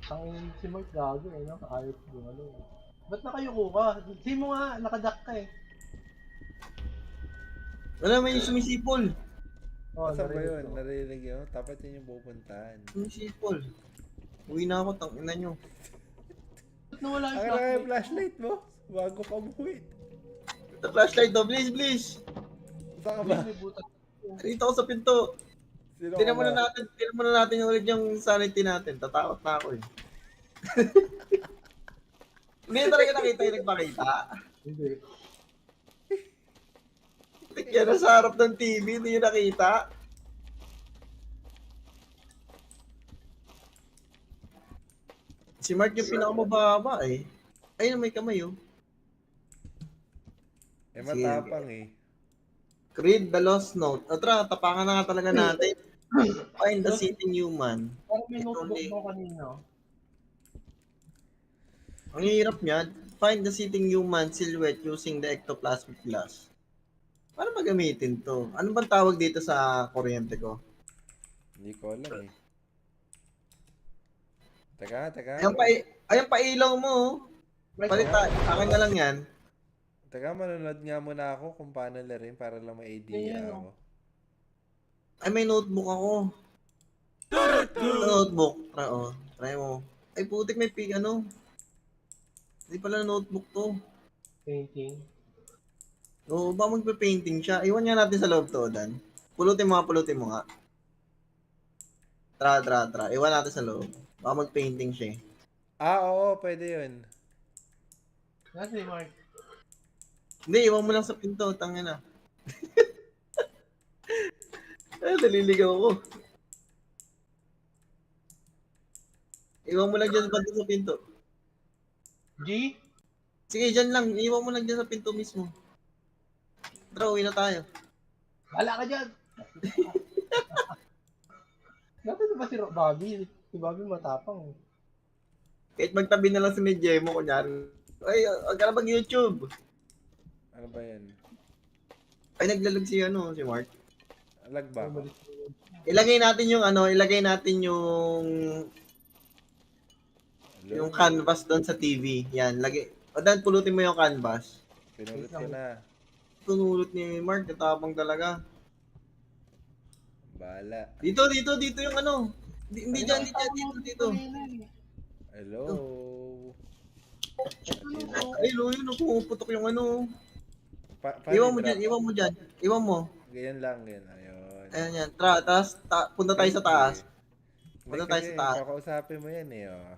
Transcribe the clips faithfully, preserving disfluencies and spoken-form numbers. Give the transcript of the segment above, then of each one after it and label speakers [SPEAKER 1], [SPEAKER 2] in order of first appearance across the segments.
[SPEAKER 1] Ang si Mark gago eh, no? Ayaw ko ano. Ba't nakayuko ka? Hindi mo nga, nakadak ka eh.
[SPEAKER 2] Wala, may sumisipol.
[SPEAKER 1] Oh,
[SPEAKER 3] Asan ba
[SPEAKER 1] narinig
[SPEAKER 3] yun?
[SPEAKER 1] ko.
[SPEAKER 3] Narinig yun? Tapat yun yung pupuntahan.
[SPEAKER 2] Sumisipol. Uwi na ako, tangina nyo.
[SPEAKER 1] Ba't nawala yung
[SPEAKER 3] Ang kailangan yung
[SPEAKER 1] flashlight?
[SPEAKER 3] flashlight mo? Bago ka umuwi.
[SPEAKER 2] The flashlight daw, please, please.
[SPEAKER 3] Saan ka
[SPEAKER 1] Hindi,
[SPEAKER 3] ba?
[SPEAKER 1] may butas.
[SPEAKER 2] Dito ako sa pinto.
[SPEAKER 3] Sino ka
[SPEAKER 2] Tignan
[SPEAKER 3] ba?
[SPEAKER 2] muna natin, tignan muna natin ulit yung sanity natin. Tatakot na ako eh. Hindi talaga nakita yung nagpakita.
[SPEAKER 1] Hindi.
[SPEAKER 2] Tignan na sa harap ng T V, hindi yung nakita. Si Mark yung pinakamababa eh. Ayun, may kamay oh.
[SPEAKER 3] Eh, matapang eh.
[SPEAKER 2] Creed the Lost Note. O tara, tapangan na nga talaga natin. Find the sitting human.
[SPEAKER 1] Parang may
[SPEAKER 2] Ito
[SPEAKER 1] notebook
[SPEAKER 2] ulit.
[SPEAKER 1] mo kanina.
[SPEAKER 2] Ang hirap niyan. Find the sitting human silhouette using the ectoplasmic glass. Paano magamitin to? Ano bang tawag dito sa kuryente ko?
[SPEAKER 3] Hindi ko alam eh. Teka, teka.
[SPEAKER 2] Ayan pa, ayan pa ilaw mo. oh.
[SPEAKER 1] Right,
[SPEAKER 2] Palit tayo. Akin na lang yan.
[SPEAKER 3] Teka, manonood nga muna ako kung paano larin para lang may idea
[SPEAKER 1] Ayan,
[SPEAKER 3] ako.
[SPEAKER 2] Ay, may notebook ako. Notebook. Try, oh. Try mo. Ay, putik, may pig, ano. Hindi pala notebook to.
[SPEAKER 1] painting.
[SPEAKER 2] Oo, ba magpe-painting siya? Iwan nga natin sa loob to, Dan. Pulutin mo nga, pulutin mo nga. Tra, tra, tra. Iwan natin sa loob. Baka mag-painting siya eh.
[SPEAKER 3] Ah, oo, pwede yun.
[SPEAKER 1] Nasa si Mark.
[SPEAKER 2] Hindi, iwan mo lang sa pinto. Tangin na. Ay, naliligaw ko. Iwan mo lang dyan banda sa pinto.
[SPEAKER 1] G?
[SPEAKER 2] Sige, dyan lang. Iwan mo lang dyan sa pinto mismo. Tara, uwi na tayo.
[SPEAKER 1] Wala ka dyan! Dapat ba si Ro- Bobby? Si Bobby matapang.
[SPEAKER 2] Kahit magtabi na lang si Medjemo, kunyari. Ay, huwag ka na mag-YouTube.
[SPEAKER 3] Ano ba yan?
[SPEAKER 2] Ay, naglalag si ano, si Mark.
[SPEAKER 3] Lag ba ako?
[SPEAKER 2] Ilagay natin yung ano, ilagay natin yung
[SPEAKER 3] Hello?
[SPEAKER 2] yung canvas doon sa T V. Yan, lagay. O dan, pulutin mo yung canvas.
[SPEAKER 3] Pinulot ko na.
[SPEAKER 2] Tunulot ni Mark, katapang talaga.
[SPEAKER 3] Bahala.
[SPEAKER 2] Dito, dito, dito yung ano. Di- Hindi dyan, hindi dyan, dito, dito.
[SPEAKER 3] Hello?
[SPEAKER 2] Ay, lo, yun, pumuputok yung ano.
[SPEAKER 3] Pa paano
[SPEAKER 2] Iwan mo
[SPEAKER 3] i-drop?
[SPEAKER 2] dyan, iwan mo dyan. Iwan mo.
[SPEAKER 3] Ganyan lang, ganyan. Ayun.
[SPEAKER 2] Ayan yan. Tra, taas, ta punta tayo sa taas.
[SPEAKER 3] Hindi
[SPEAKER 2] Punta tayo
[SPEAKER 3] kasi,
[SPEAKER 2] sa taas.
[SPEAKER 3] kakausapin mo yan eh, oh.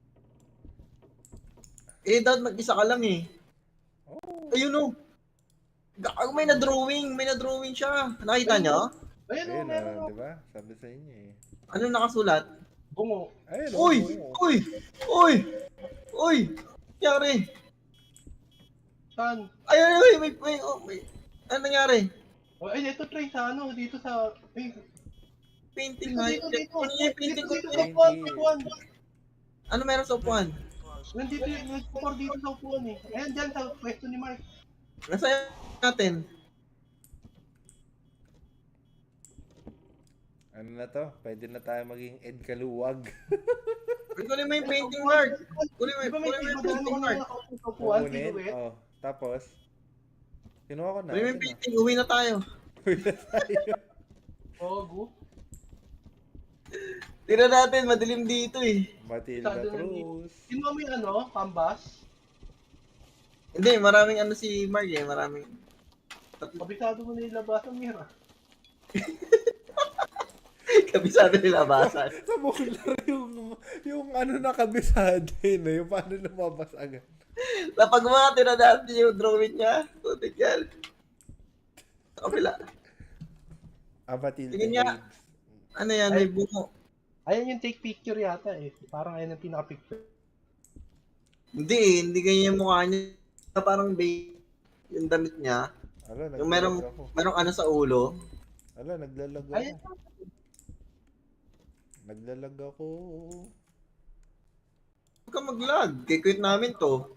[SPEAKER 2] Eh, dapat mag-isa ka lang eh.
[SPEAKER 3] Oh.
[SPEAKER 2] Ayun o. Gago, may na-drawing. May na-drawing siya. Nakita nyo?
[SPEAKER 1] Ayun o,
[SPEAKER 3] Ayun,
[SPEAKER 1] meron
[SPEAKER 3] oh,
[SPEAKER 1] o.
[SPEAKER 3] di ba? Sabi sa inyo eh.
[SPEAKER 2] Ano nakasulat?
[SPEAKER 1] Bungo.
[SPEAKER 3] Ayun, oh.
[SPEAKER 2] Uy!
[SPEAKER 3] oh.
[SPEAKER 2] Uy! Uy! Uy! Nangyari?
[SPEAKER 1] Saan?
[SPEAKER 2] Ay, ay, ay, may, may, oh, may, ano nangyari?
[SPEAKER 1] Oh, ay, dito try sa ano, dito sa... Ay,
[SPEAKER 2] Painting
[SPEAKER 1] dito,
[SPEAKER 2] nga.
[SPEAKER 1] dito, dito.
[SPEAKER 2] Ano yung painting ko?
[SPEAKER 1] Dito, dito, sa upuan, sa upuan.
[SPEAKER 2] Ano meron sa upuan?
[SPEAKER 1] Nandito yung nagpupor dito sa upuan eh. Ayan dyan sa pwesto ni Mark.
[SPEAKER 2] Nasa natin.
[SPEAKER 3] Ano na to? Pwede na tayo maging Ed Kaluwag.
[SPEAKER 2] Kunin mo yung painting, Mark. Kunin mo,
[SPEAKER 1] Di ba may
[SPEAKER 2] kunin mo yung
[SPEAKER 1] iba
[SPEAKER 2] painting,
[SPEAKER 1] na
[SPEAKER 2] Mark.
[SPEAKER 1] nakaupo sa upuan,
[SPEAKER 3] Kukunin.
[SPEAKER 1] silhouette?
[SPEAKER 3] Oh, tapos, kinuha ko na.
[SPEAKER 2] Kunin mo yung
[SPEAKER 3] Ito na.
[SPEAKER 2] painting. Uwi na tayo.
[SPEAKER 3] Uwi na tayo.
[SPEAKER 1] Ogo.
[SPEAKER 2] Tira natin. Madilim dito eh.
[SPEAKER 3] Matilda
[SPEAKER 1] Masyado na
[SPEAKER 3] Cruz.
[SPEAKER 1] Kinuha mo yung ano, canvas.
[SPEAKER 2] Hindi, maraming ano si Mark eh. Maraming.
[SPEAKER 1] Kabisado mo na ilabas ang mira.
[SPEAKER 2] Kabisado nila basan.
[SPEAKER 3] Sa bular yung, yung ano nakabisado yun, eh, yung paano lumabas agad.
[SPEAKER 2] Lapag mga tira natin yung drawing niya. Tutik yan. Sa kabila.
[SPEAKER 3] Ah, Matilda
[SPEAKER 2] Tingin niya.
[SPEAKER 3] Cruz.
[SPEAKER 2] Ano yan? May bungo.
[SPEAKER 1] Ayan yung take picture yata eh. Parang ayan ang pinaka-picture.
[SPEAKER 2] Hindi eh. Hindi ganyan yung mukha niya. Parang babe. Yung damit niya.
[SPEAKER 3] Ala,
[SPEAKER 2] Yung merong,
[SPEAKER 3] naglalag ako.
[SPEAKER 2] merong ano sa ulo.
[SPEAKER 3] Ala, naglalag ako.
[SPEAKER 1] Ayan.
[SPEAKER 3] Naglalag ako.
[SPEAKER 2] Huwag ka mag-lag. Kay-quit namin to.